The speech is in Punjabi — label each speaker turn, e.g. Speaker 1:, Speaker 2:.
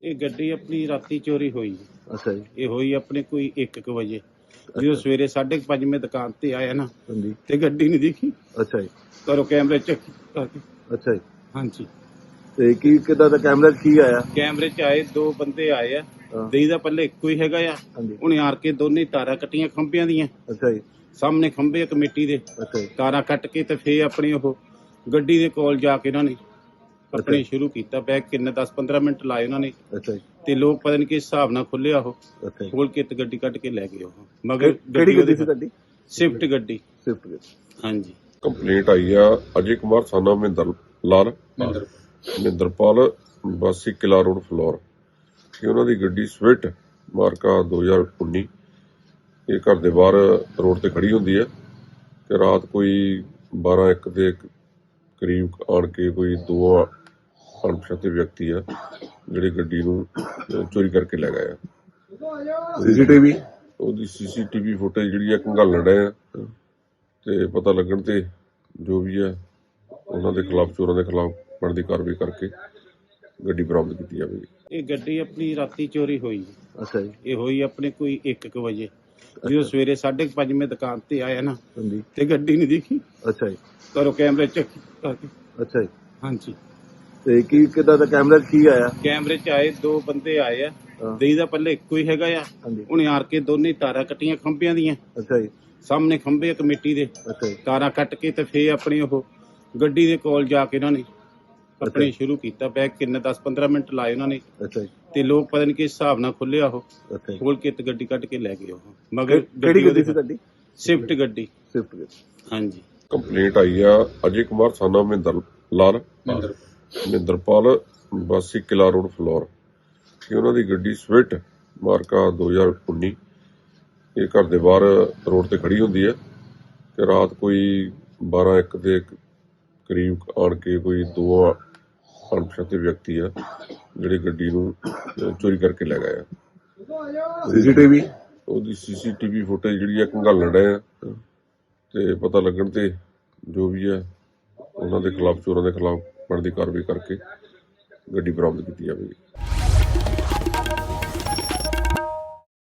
Speaker 1: ਇਹ ਗੱਡੀ ਆਪਣੀ ਰਾਤੀ ਚੋਰੀ ਹੋਈ।
Speaker 2: ਅੱਛਾ ਜੀ।
Speaker 1: ਇਹ ਹੋਈ ਆਪਣੇ ਕੋਈ 1 ਵਜੇ। ਜਦੋਂ ਸਵੇਰੇ 5:30 ਮੈਂ ਦੁਕਾਨ ਤੇ ਆਇਆ ਨਾ
Speaker 2: ਹਾਂਜੀ।
Speaker 1: ਤੇ ਗੱਡੀ ਨਹੀਂ ਦਿਖੀ।
Speaker 2: ਅੱਛਾ ਜੀ।
Speaker 1: ਘਰੋਂ ਕੈਮਰੇ ਚੈੱਕ ਕਰਕੇ।
Speaker 2: ਅੱਛਾ ਜੀ।
Speaker 1: ਹਾਂਜੀ,
Speaker 2: ਤੇ ਕੀ ਕਿੱਦਾਂ ਦਾ ਕੈਮਰਾ 'ਚ ਕੀ ਆਇਆ?
Speaker 1: ਕੈਮਰੇ 'ਚ ਆਏ 2 ਬੰਦੇ ਆਏ ਆ।
Speaker 2: ਹਾਂ।
Speaker 1: ਦੇਈ ਦਾ ਪੱਲੇ ਇੱਕੋ ਹੀ ਹੈਗਾ ਆ।
Speaker 2: ਹਾਂਜੀ।
Speaker 1: ਉਹਨੇ ਆਰ ਕੇ ਦੋਨੇ ਤਾਰਾਂ ਕੱਟੀਆਂ ਖੰਭਿਆਂ ਦੀਆਂ।
Speaker 2: ਅੱਛਾ ਜੀ।
Speaker 1: ਸਾਹਮਣੇ ਖੰਭੇ ਕਮੇਟੀ ਦੇ
Speaker 2: ਅੱਛਾ ਜੀ।
Speaker 1: ਤਾਰਾਂ ਕੱਟ ਕੇ ਤੇ ਫੇਰ ਆਪਣੀ ਉਹ ਗੱਡੀ ਦੇ ਕੋਲ ਜਾ ਕੇ ਇਹਨਾਂ ਨੇ ਆਪਣੇ ਸ਼ੁਰੂ ਕੀਤਾ। ਬੈਗ ਕਿੰਨੇ 10-15 ਮਿੰਟ ਲਾਏ ਉਹਨਾਂ ਨੇ
Speaker 2: ਅੱਛਾ ਜੀ।
Speaker 1: ਤੇ ਲੋਕ ਪਤਾ ਨਹੀਂ ਕਿਸ ਹਿਸਾਬ ਨਾਲ ਖੁੱਲਿਆ ਉਹ
Speaker 2: ਅੱਛਾ ਜੀ।
Speaker 1: ਖੋਲ ਕੇ ਤੇ ਗੱਡੀ ਕੱਢ ਕੇ ਲੈ ਗਏ ਉਹ। ਮਗਰ
Speaker 2: ਕਿਹੜੀ ਗੱਡੀ ਸੀ ਤੁਹਾਡੀ?
Speaker 1: ਸਵਿਫਟ ਗੱਡੀ।
Speaker 2: ਸਵਿਫਟ ਗੱਡੀ।
Speaker 1: ਹਾਂਜੀ।
Speaker 3: ਕੰਪਲੇਂਟ ਆਈ ਆ ਅਜੇ ਕੁਮਾਰ ਸਾਨਾ ਮਹਿੰਦਰਪਾਲ ਵਾਸੀ ਕਿਲਾ ਰੋਡ ਫਲੋਰ ਕਿ ਉਹਨਾਂ ਦੀ ਗੱਡੀ ਸਵਿਫਟ ਮਾਰਕਾ 2019 ਇਹ ਘਰ ਦੇ ਬਾਹਰ ਰੋਡ ਤੇ ਖੜੀ ਹੁੰਦੀ ਹੈ ਕਿ ਰਾਤ ਕੋਈ 12-1 ਦੇ ਕਰੀਬ ਆਣ ਕੇ ਕੋਈ 2 ਅਣਪਛਾਤੇ ਵਿਅਕਤੀ ਆ ਜਿਹੜੇ ਗੱਡੀ ਨੂੰ ਚੋਰੀ ਕਰਕੇ ਲੈ ਗਏ ਆ।
Speaker 2: ਸੀਸੀਟੀਵੀ
Speaker 3: ਉਹਦੀ ਸੀਸੀਟੀਵੀ ਫੁਟੇਜ ਜਿਹੜੀ ਆ ਖੰਗਾਲਣ ਡਏ ਆ ਤੇ ਪਤਾ ਲੱਗਣ ਤੇ ਜੋ ਵੀ ਹੈ ਉਹਨਾਂ ਦੇ ਖਿਲਾਫ ਚੋਰਾਂ ਦੇ ਖਿਲਾਫ ਬਣਦੀ ਕਾਰਵਾਈ ਕਰਕੇ ਗੱਡੀ ਬਰਾਮਦ ਕੀਤੀ ਜਾਵੇਗੀ।
Speaker 1: ਇਹ ਗੱਡੀ ਆਪਣੀ ਰਾਤੀ ਚੋਰੀ ਹੋਈ।
Speaker 2: ਅੱਛਾ ਜੀ।
Speaker 1: ਇਹ ਹੋਈ ਆਪਣੇ ਕੋਈ 1 ਵਜੇ। ਜਦੋਂ ਸਵੇਰੇ 5:30 ਮੈਂ ਦੁਕਾਨ ਤੇ ਆਇਆ ਨਾ
Speaker 2: ਹਾਂਜੀ।
Speaker 1: ਤੇ ਗੱਡੀ ਨਹੀਂ ਦਿਖੀ।
Speaker 2: ਅੱਛਾ ਜੀ।
Speaker 1: ਘਰੋਂ ਕੈਮਰੇ ਚੈੱਕ ਕਰਕੇ।
Speaker 2: ਅੱਛਾ ਜੀ।
Speaker 1: ਹਾਂਜੀ,
Speaker 2: ਤੇ ਕੀ ਕਿੱਦਾਂ ਦਾ ਕੈਮਰਾ 'ਚ ਕੀ ਆਇਆ?
Speaker 1: ਕੈਮਰੇ 'ਚ ਆਏ 2 ਬੰਦੇ ਆਏ ਆ।
Speaker 2: ਹਾਂ।
Speaker 1: ਦੇਈ ਦਾ ਪੱਲੇ ਇੱਕੋ ਹੀ ਹੈਗਾ ਆ।
Speaker 2: ਹਾਂਜੀ।
Speaker 1: ਉਹਨੇ ਆਰ ਕੇ ਦੋਨੇ ਤਾਰਾਂ ਕੱਟੀਆਂ ਖੰਭਿਆਂ ਦੀਆਂ।
Speaker 2: ਅੱਛਾ ਜੀ।
Speaker 1: ਸਾਹਮਣੇ ਖੰਭੇ ਕਮੇਟੀ ਦੇ
Speaker 2: ਅੱਛਾ ਜੀ।
Speaker 1: ਤਾਰਾਂ ਕੱਟ ਕੇ ਤੇ ਫੇਰ ਆਪਣੀ ਉਹ ਗੱਡੀ ਦੇ ਕੋਲ ਜਾ ਕੇ ਇਹਨਾਂ ਨੇ ਆਪਣੇ ਸ਼ੁਰੂ ਕੀਤਾ। ਬੈਗ ਕਿੰਨੇ 10-15 ਮਿੰਟ ਲਾਏ ਉਹਨਾਂ ਨੇ
Speaker 2: ਅੱਛਾ ਜੀ।
Speaker 1: ਤੇ ਲੋਕ ਪਤਾ ਨਹੀਂ ਕਿਸ ਹਿਸਾਬ ਨਾਲ ਖੁੱਲਿਆ ਉਹ
Speaker 2: ਅੱਛਾ ਜੀ।
Speaker 1: ਖੋਲ ਕੇ ਤੇ ਗੱਡੀ ਕੱਢ ਕੇ ਲੈ ਗਏ ਉਹ। ਮਗਰ
Speaker 2: ਕਿਹੜੀ ਗੱਡੀ ਸੀ ਤੁਹਾਡੀ?
Speaker 1: ਸਵਿਫਟ ਗੱਡੀ।
Speaker 2: ਸਵਿਫਟ ਗੱਡੀ।
Speaker 1: ਹਾਂਜੀ।
Speaker 3: ਕੰਪਲੇਂਟ ਆਈ ਆ ਅਜੇ ਕੁਮਾਰ ਸਾਨਾ ਮਹਿੰਦਰਪਾਲ ਵਾਸੀ ਕਿਲਾ ਰੋਡ ਫਲੋਰ ਕਿ ਉਹਨਾਂ ਦੀ ਗੱਡੀ ਸਵਿਫਟ ਮਾਰਕਾ 2019 ਇਹ ਘਰ ਦੇ ਬਾਹਰ ਰੋਡ ਤੇ ਖੜੀ ਹੁੰਦੀ ਹੈ ਕਿ ਰਾਤ ਕੋਈ 12-1 ਦੇ ਕਰੀਬ ਆਣ ਕੇ ਕੋਈ 2 ਅਣਪਛਾਤੇ ਵਿਅਕਤੀ ਆ ਜਿਹੜੇ ਗੱਡੀ ਨੂੰ ਚੋਰੀ ਕਰਕੇ ਲੈ ਗਏ ਆ।
Speaker 2: ਸੀਸੀਟੀਵੀ
Speaker 3: ਉਹਦੀ ਸੀਸੀਟੀਵੀ ਫੁਟੇਜ ਜਿਹੜੀ ਆ ਖੰਗਾਲਣ ਡਏ ਆ ਤੇ ਪਤਾ ਲੱਗਣ ਤੇ ਜੋ ਵੀ ਹੈ ਉਹਨਾਂ ਦੇ ਖਿਲਾਫ ਚੋਰਾਂ ਦੇ ਖਿਲਾਫ ਬਣਦੀ ਕਾਰਵਾਈ ਕਰਕੇ ਗੱਡੀ ਬਰਾਮਦ ਕੀਤੀ ਜਾਵੇਗੀ।